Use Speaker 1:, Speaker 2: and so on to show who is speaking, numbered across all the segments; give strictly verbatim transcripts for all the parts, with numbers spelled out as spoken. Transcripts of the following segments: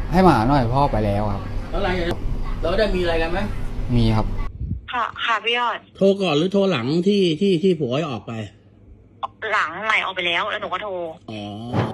Speaker 1: ให้มาหาหน่อยพ่อไปแล้วครับ
Speaker 2: แล้วอะไรแล้วได้มีอะไรกันไหม
Speaker 1: มีครับ
Speaker 3: ค่ะค่ะพี่ยอด
Speaker 2: โทรก่อนหรือโทรหลังที่ที่ที่ผัวออกไป
Speaker 3: หลังใหม่ออกไปแล้วแล้วหนูก็โทร
Speaker 2: อ๋อ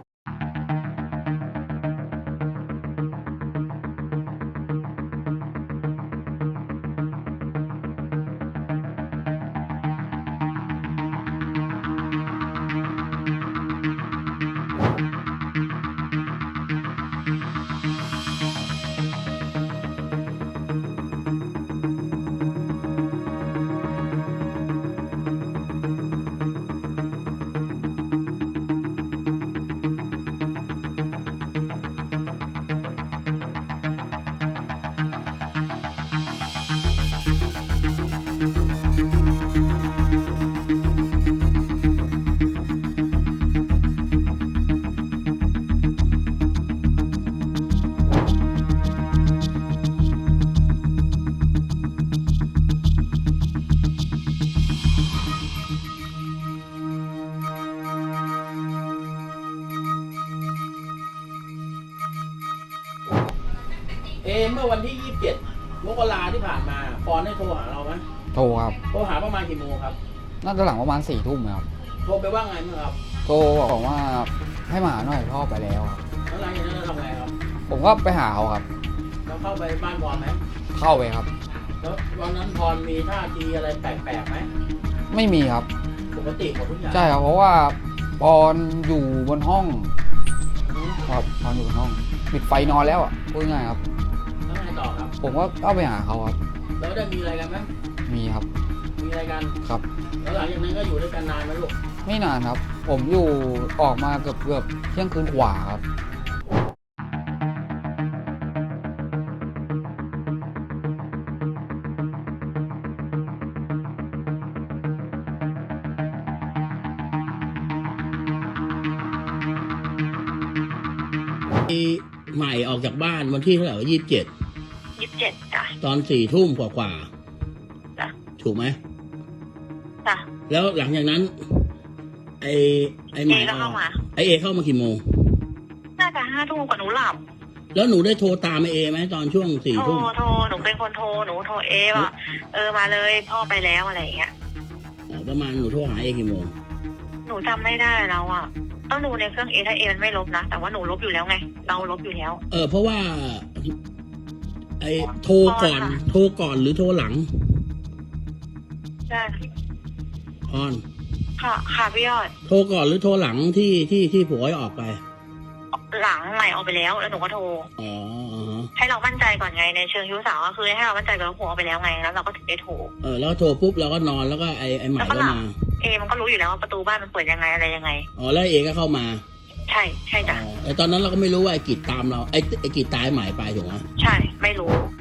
Speaker 2: เอเมื่อวันที่ยี่สิบเจ็ดมกราที่ผ่านมาปอนได้โทรหาเราไหม
Speaker 1: โทรครับ
Speaker 2: โทรหาประมาณกี่โมงครับ
Speaker 1: น่าจะหลังประมาณสี่ทุ่มครับ
Speaker 2: โทรไปว่าไงมั้งครับ
Speaker 1: โทรบอกว่าให้มาหาหน่อยพ่อไปแล้วครับ
Speaker 2: แล้วหลังจากนั้นเราทำไงครับ
Speaker 1: ผมก็ไปหาเขาครับ
Speaker 2: แล้วเข้าไปบ้านพรไหม
Speaker 1: เข้าไปครับ
Speaker 2: แล้ววันนั้นพรมีท่าทีอะไรแปลกๆไหม
Speaker 1: ไม่มีครับ
Speaker 2: ปกติหมดทุกอย่าง
Speaker 1: ใช่ครับเพราะว่าปอนอยู่บนห้องครับปอนอยู่บนห้องปิดไฟนอนแล้วอ่ะพูดง่ายครับ
Speaker 2: แล้วไงต่อครับ
Speaker 1: ผมก็เข้าไปหาเขาครับ
Speaker 2: แล้วได้มีอะไรกันไหม
Speaker 1: มีครับ
Speaker 2: มีอะไรกัน
Speaker 1: ครับ
Speaker 2: แล้วหลังจากนั้นก็อยู่ด้วยกันนานไหมลูก
Speaker 1: ไม่นานครับผมอยู่ออกมาเกือบเกือบเที่ยงคืนกว่าครับ
Speaker 2: ใหม่ออกจากบ้านวันที่เท่าไหร่ยี่สิบเจ็ด
Speaker 3: ยี่สิบเจ็ดจ้ะ
Speaker 2: ตอนสี่ทุ่มกว่า
Speaker 3: ๆจ้ะ
Speaker 2: ถูกไหม
Speaker 3: จ้ะ
Speaker 2: แล้วหลังจากนั้นไอไอใหม่
Speaker 3: เข้ามา
Speaker 2: ไอเอเข้ามากี่โมง
Speaker 3: น่าจะห้าทุ่มกว่าหนูหลับ
Speaker 2: แล้วหนูได้โทรตามไอเอไหมตอนช่วงสี่ทุ่ม
Speaker 3: โทรโทรหนูเป็นคนโทรหนูโทรเอว่าเออมาเลยพ่อไปแล้วอะไรอย่างเงี้ย
Speaker 2: อ๋อประมาณหนูโทรหาเอกี่โมง
Speaker 3: หนูจำไม่ได้แล้วอ่ะต้องดูในเครื่องเอถ้าเอมันไม่ลบนะแต่ว่าหนูลบอยู่แล้วไงเราลบอยู่แล้ว
Speaker 2: เออเพราะว่าไอโทรก่อนโทรก่อนหรือโทรหลัง
Speaker 3: ใช่
Speaker 2: พร
Speaker 3: ค่ะค่ะพี่ยอด
Speaker 2: โทรก่อนหรือโทรหลังที่ที่ที่ผัวออกไป
Speaker 3: หลังใหม่ออกไปแล้วแล้วหนูก็โทร
Speaker 2: อ๋อ
Speaker 3: ให้เรามั่นใจก่อนไงในเชิงชู้สาวก็คือให้เรามั่นใจกับผัวออกไปแล้วไงแล้วเราก็ถึงได้โทร
Speaker 2: เออแล้วโทรปุ๊บเราก็นอนแล้วก็ไอไอใหม่ก็มา
Speaker 3: เอมันก็รู้อยู่แล้วว่าประตูบ้านมันเปิดยังไงอะไรยังไง
Speaker 2: อ๋อแล้วเอก็เข้ามา
Speaker 3: ใช่ใช่จ้ะ
Speaker 2: ไอตอนนั้นเราก็ไม่รู้ว่าไอกิจตามเราไอไอกิจตายใหม่ไปถูกไหม
Speaker 3: ใช่ไม่รู้